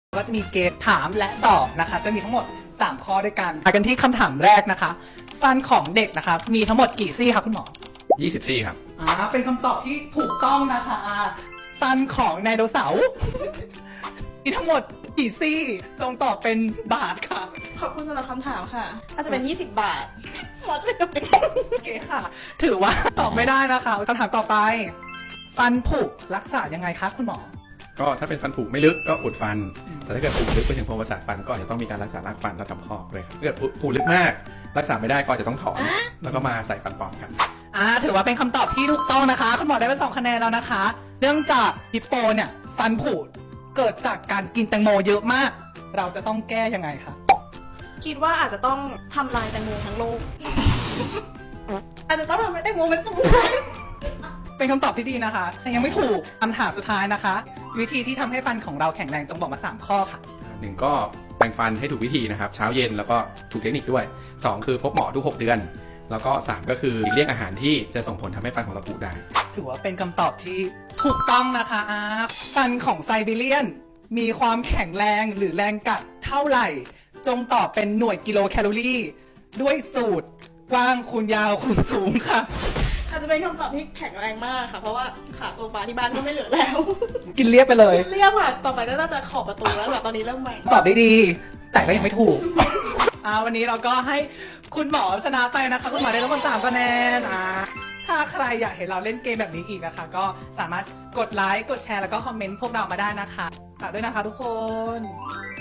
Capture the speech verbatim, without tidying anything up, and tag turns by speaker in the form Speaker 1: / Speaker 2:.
Speaker 1: ก็จะมีเกมถามและตอบนะคะ จะมีทั้งหมดสามข้อด้วยกันมากันที่คำถามแรกนะคะ ฟันของเด็กนะคะมีทั้งหมดกี่ซี่คะคุณหมอ
Speaker 2: ยี่สิบซี่ครับ
Speaker 1: อ่าเป็นคำตอบที่ถูกต้องนะคะอ่าฟันของไดโนเสาร์ มีทั้งหมดกี่ซี่จงตอบเป็นบาทค่ะ
Speaker 3: ขอบคุณสำหรับคำถามค่ะอาจจะเป็นยี่สิบบาทวัดไปเลย
Speaker 1: โอเคค่ะ ถือว่าตอบไม่ได้นะคะคำถามต่อไป ฟันผุรักษายังไงคะคุณหมอ
Speaker 2: ก็ถ้าเป็นฟันผุไม่ลึกก็อุดฟัน แต่ถ้าเกิดผุลึกไปถึงโพรงประสาทฟันก็อาจจะต้องมีการรักษารากฟันและทำคอกด้วยครับถ้าเกิดผุลึกมาก รักษาไม่ได้ก็อาจจะต้องถอน แล้วก็มาใส่ฟันปลอมครับ
Speaker 1: อ่าถือว่าเป็นคำตอบที่ถูกต้องนะคะคุณหมอได้ไปสองคะแนนแล้วนะคะ เนื่องจากฮิปโปเนี่ยฟันผุเกิดจากการกินแตงโมเยอะมาก เราจะต้องแก้ยังไงคะ
Speaker 3: คิดว่าอาจจะต้องทำลายแตงโมทั้งโลก อาจจะต้องทำให้แตงโมเป็นสูง
Speaker 1: เป็นคำตอบที่ดีนะคะแต่ยังไม่ถูกคำถามสุดท้ายนะคะ วิธีที่ทำให้ฟันของเราแข็งแรงจงบอกมาสามข้อค่ะ
Speaker 2: หนึ่งก็แปรงฟันให้ถูกวิธีนะครับเช้าเย็นแล้วก็ถูกเทคนิคด้วยสองคือพบหมอทุกหกเดือน แล้วก็สามก็คือหลีกเลี่ยงอาหารที่จะส่งผลทำให้ฟันของเราผุได้
Speaker 1: ถือว่าเป็นคำตอบที่ถูกต้องนะคะอ่าฟันของไซบีเรียนมีความแข็งแรงหรือแรงกัดเท่าไหร่ จงตอบเป็นหน่วยกิโลแคลอรี่ ด้วยสูตรกว้างคูณยาวคูณสูงค่ะ
Speaker 3: อาจจะเป็นคำตอบที่แข็งแรงมากค่ะ เพราะว่าขาโซฟาที่บ้านก็ไม่เหลือแล้ว
Speaker 1: กินเรียบไปเลย
Speaker 3: เรียกว่าต่อไปก็น่าจะขอบประตูแล้วแบบตอนนี้เริ่มใหม่
Speaker 1: ตอบได้ดี แต่ก็ยังไม่ถูก อ่าวันนี้เราก็ให้คุณหมอชนะไปนะคะ คุณหมอได้รับคนสามคะแนนอ่าถ้าใครอยากเห็นเราเล่นเกมแบบนี้อีกนะคะ ก็สามารถกดไลค์กดแชร์แล้วก็คอมเมนต์พวกเรามาได้นะคะฝากด้วยนะคะทุกคน